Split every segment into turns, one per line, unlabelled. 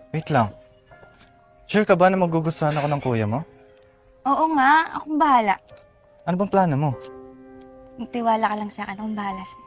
Wait lang. Sure ka ba na magugustuhan ako ng kuya mo?
Oo nga, akong bahala.
Ano bang plano mo?
Magtiwala ka lang sa akin, akong bahala sa'yo.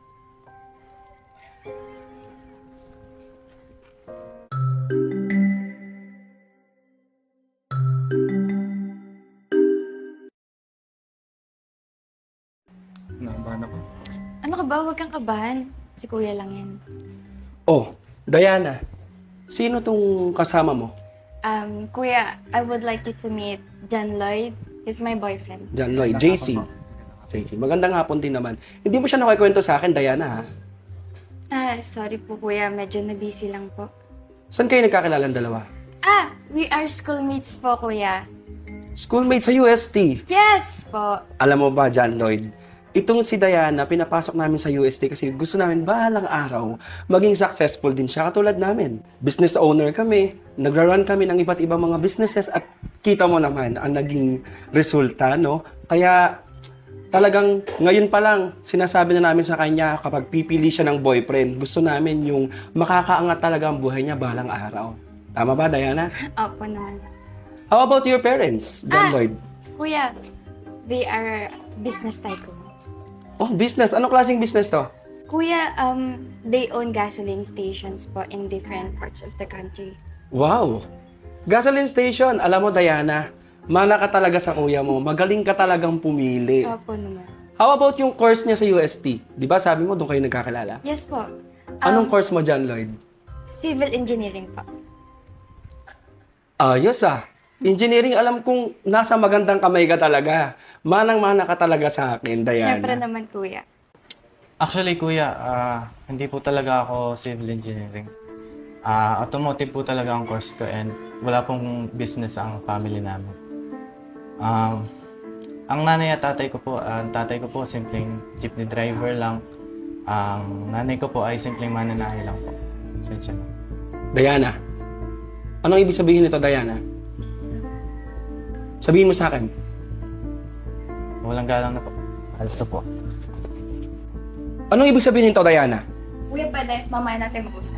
Nakabahan ako.
Ano ka ba? Huwag kang kabahan. Si kuya lang yan.
Oh, Diana, sino tong kasama mo?
Kuya, I would like you to meet John Lloyd. He's my boyfriend.
John Lloyd, JC. JC, magandang hapon din naman. Hindi mo siya nakikwento sa akin, Diana, ha?
Sorry po kuya, medyo na-busy lang po.
Saan kayo nagkakilala ang dalawa?
We are schoolmates po kuya.
Schoolmate sa UST.
Yes po.
Alam mo ba, John Lloyd, itong si Diana, pinapasok namin sa UST kasi gusto namin bahalang araw maging successful din siya katulad namin. Business owner kami, nagra-run kami ng iba't ibang mga businesses at kita mo naman ang naging resulta, no? Kaya talagang ngayon pa lang sinasabi na namin sa kanya kapag pipili siya ng boyfriend, gusto namin yung makakaangat talaga ang buhay niya bahalang araw. Tama ba, Diana?
Opo naman.
How about your parents, John Lloyd?
Kuya, they are business tycoons.
Oh, business. Anong klaseng business to?
Kuya, they own gasoline stations po in different parts of the country.
Wow! Gasoline station. Alam mo, Diana, mana ka talaga sa kuya mo. Magaling ka talagang pumili.
Opo naman.
How about yung course niya sa UST? Di ba sabi mo doon kayo nagkakilala?
Yes po.
Anong course mo, John Lloyd?
Civil engineering po.
Ayos ah. Engineering, alam kong nasa magandang kamay ka talaga. Manang-mana ka talaga sa akin, Diana.
Siyempre naman, kuya.
Actually, kuya, hindi po talaga ako civil engineering. Automotive po talaga ang course ko and wala pong business ang family namin. Ang nanay at tatay ko po, tatay ko po simpleng jeepney driver lang. Ang nanay ko po ay simpleng mananahe lang po. Sensya na.
Diana, anong ibig sabihin nito, Diana? Sabihin mo sa akin.
Walang galang na po. Alis na po.
Anong ibig sabihin nito, Diana?
Kuya, pwede. Mamaya natin mag-usap.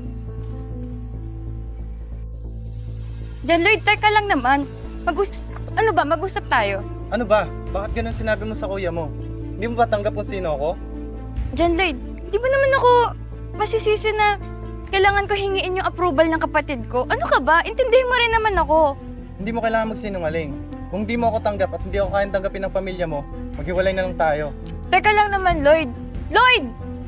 John Lloyd, teka lang naman. Ano ba? Mag-usap tayo.
Ano ba? Bakit ganun sinabi mo sa kuya mo? Hindi mo ba tanggap kung sino ako?
John Lloyd, di ba naman ako masisisi na kailangan ko hingiin yung approval ng kapatid ko? Ano ka ba? Intindihin mo rin naman ako.
Hindi mo kailangan magsinungaling. Kung di mo ako tanggap at hindi ako kayang tanggapin ng pamilya mo, maghiwalay na lang tayo.
Teka lang naman, Lloyd. Lloyd!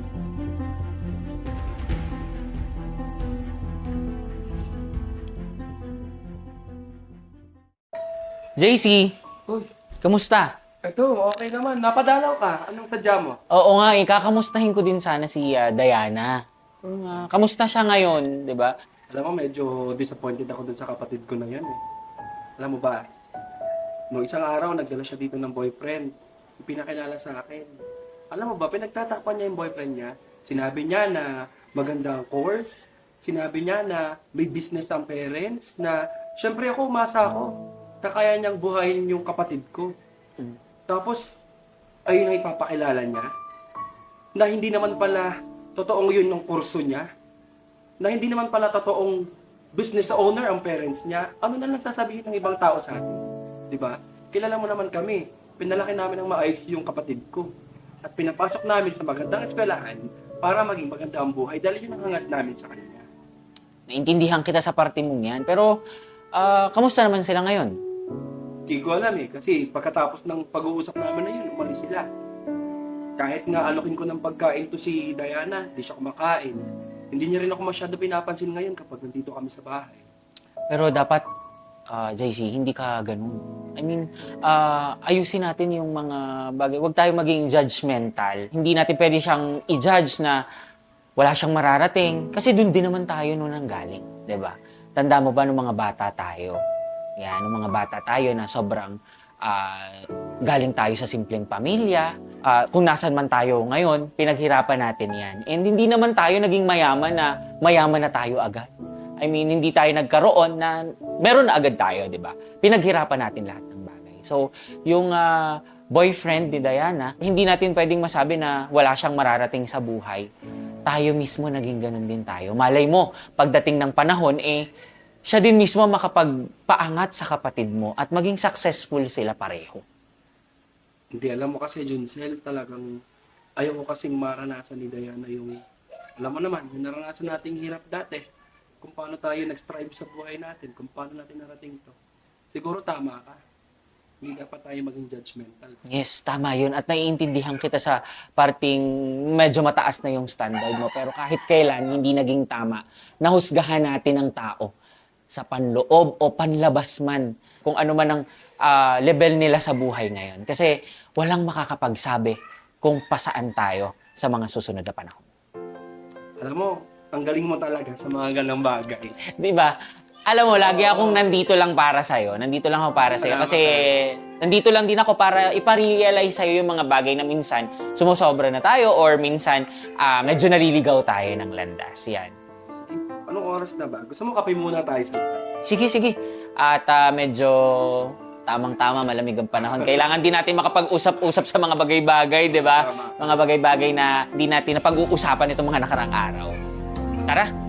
JC,
Uy,
kamusta?
ito, okay naman. Napadalaw ka. Anong sadya mo?
Oo nga, kakamustahin ko din sana si Diana. Kamusta siya ngayon, di ba?
Alam mo, medyo disappointed ako dun sa kapatid ko na yan eh. Alam mo ba, noong isang araw, nagdala siya dito ng boyfriend. Pinakilala sa akin. Alam mo ba, pinagtatakpan niya yung boyfriend niya. Sinabi niya na maganda ang course. Sinabi niya na may business ang parents. Na, syempre ako, umasa ako na kaya niyang buhayin yung kapatid ko. Tapos, ayun ang ipapakilala niya. Na hindi naman pala totoong yun ng kurso niya. Na hindi naman pala totoong business owner ang parents niya. Ano na lang sasabihin ng ibang tao sa atin? Diba? Kilala mo naman kami. Pinalaki namin ng maayos yung kapatid ko. At pinapasok namin sa magandang eskwelahan para maging maganda ang buhay dahil yun ang hangat namin sa kanila.
Naintindihan kita sa parte mong yan, pero kamusta naman sila ngayon?
Hindi ko alam eh, kasi pagkatapos ng pag-uusap namin na yun, umalis sila. Kahit nga alokin ko ng pagkain to si Diana, di siya kumakain. Hindi niya rin ako masyado pinapansin ngayon kapag nandito kami sa bahay.
Pero dapat, JC, hindi ka ganun. I mean, ayusin natin yung mga bagay. Huwag tayo maging judgmental. Hindi natin pwede siyang i-judge na wala siyang mararating. Kasi dun din naman tayo noon ang galing. 'Di ba? Tanda mo ba nung mga bata tayo? Yan, nung mga bata tayo na sobrang galing tayo sa simpleng pamilya. Kung nasan man tayo ngayon, pinaghirapan natin yan. And hindi naman tayo naging mayaman na tayo agad. I mean, hindi tayo nagkaroon na meron na agad tayo, di ba? Pinaghirapan natin lahat ng bagay. So, yung boyfriend ni Diana, hindi natin pwedeng masabi na wala siyang mararating sa buhay. tayo mismo naging ganun din tayo. Malay mo, pagdating ng panahon, siya din mismo makapagpaangat sa kapatid mo at maging successful sila pareho.
Hindi, alam mo kasi, Juncel, talagang ayaw ko kasing maranasan ni Diana yung, alam mo naman, yung naranasan nating hirap dati. Kung paano tayo nag-strive sa buhay natin, kung paano natin narating to. Siguro tama ka. Hindi dapat tayo maging judgmental.
Yes, tama yun. At naiintindihan kita sa parting medyo mataas na yung standard mo. Pero kahit kailan, hindi naging tama. Nahusgahan natin ang tao sa panloob o panlabas man. Kung ano man ang level nila sa buhay ngayon. Kasi walang makakapagsabi kung pasaan tayo sa mga susunod na panahon.
Alam mo, ang galing mo talaga sa mga ganang bagay.
Di ba? Alam mo, lagi akong nandito lang para sa'yo. Nandito lang ako para sa'yo. Kasi nandito lang din ako para iparealize sa'yo yung mga bagay na minsan sumusobra na tayo or minsan medyo naliligaw tayo ng landas. Yan.
Sige, anong oras na ba? Gusto mo kape muna tayo sa labas?
Sige, sige. At medyo tamang-tama, malamig ang panahon. Kailangan din natin makapag-usap-usap sa mga bagay-bagay, di ba?
Tama.
Mga bagay-bagay na hindi natin napag-uusapan itong mga nakarang araw. Tara!